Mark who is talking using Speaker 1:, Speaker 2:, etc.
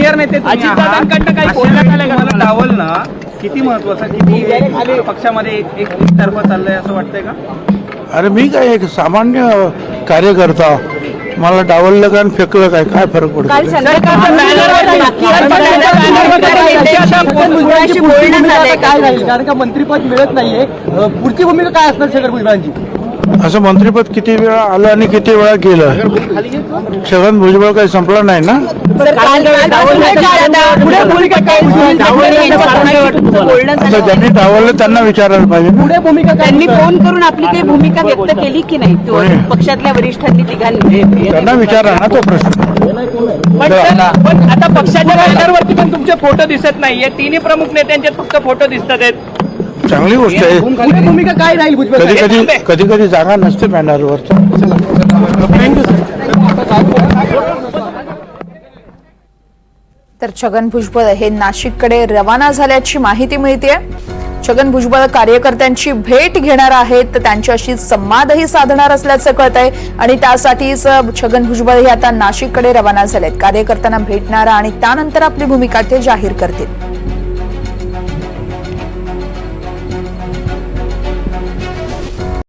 Speaker 1: Senior नेते अजितदादांकडनं काही बोलण्यात आलं का?
Speaker 2: डावल ना किती महत्वाचं, किती पक्षामध्ये एक तर्फा चाललंय असं वाटतंय का?
Speaker 3: अरे मी काय एक सामान्य कार्यकर्ता, मला डावललं काय आणि फेकलं काय फरक पडतो?
Speaker 1: काय झालं कारण का मंत्रीपद मिळत नाहीये, पुढची भूमिका काय असणार छगन भुजबळांची?
Speaker 3: असं मंत्रिपद किती वेळा आलं आणि किती वेळा गेलं? छगन भुजबळ काही संपला नाही ना. आता ज्यांनी डावललं त्यांना विचारायला पाहिजे.
Speaker 1: पुढे भूमिका काय?
Speaker 4: त्यांनी फोन करून आपली काही भूमिका व्यक्त केली की नाही पक्षातल्या वरिष्ठांनी तिघांनी?
Speaker 3: त्यांना विचारा ना तो प्रश्न.
Speaker 1: पण आता पक्षाच्या बॅनरवरती पण तुमचे फोटो दिसत नाहीये, तिन्ही प्रमुख नेत्यांचे फक्त फोटो दिसतात आहेत.
Speaker 3: चांगली गोष्ट आहे.
Speaker 1: पुढे भूमिका काय राहील भुजबळ?
Speaker 3: कधी कधी जागा नसते बॅनरवर.
Speaker 5: तर छगन भुजबळ हे नाशिककडे रवाना झाल्याची माहिती मिळते. छगन भुजबळ कार्यकर्त्यांची भेट घेणार आहेत, तर त्यांच्याशी संवादही साधणार असल्याचं कळतंय आणि त्यासाठीच छगन भुजबळ हे आता नाशिककडे रवाना झालेत. कार्यकर्त्यांना भेटणार आणि त्यानंतर आपली भूमिका ते जाहीर करतील.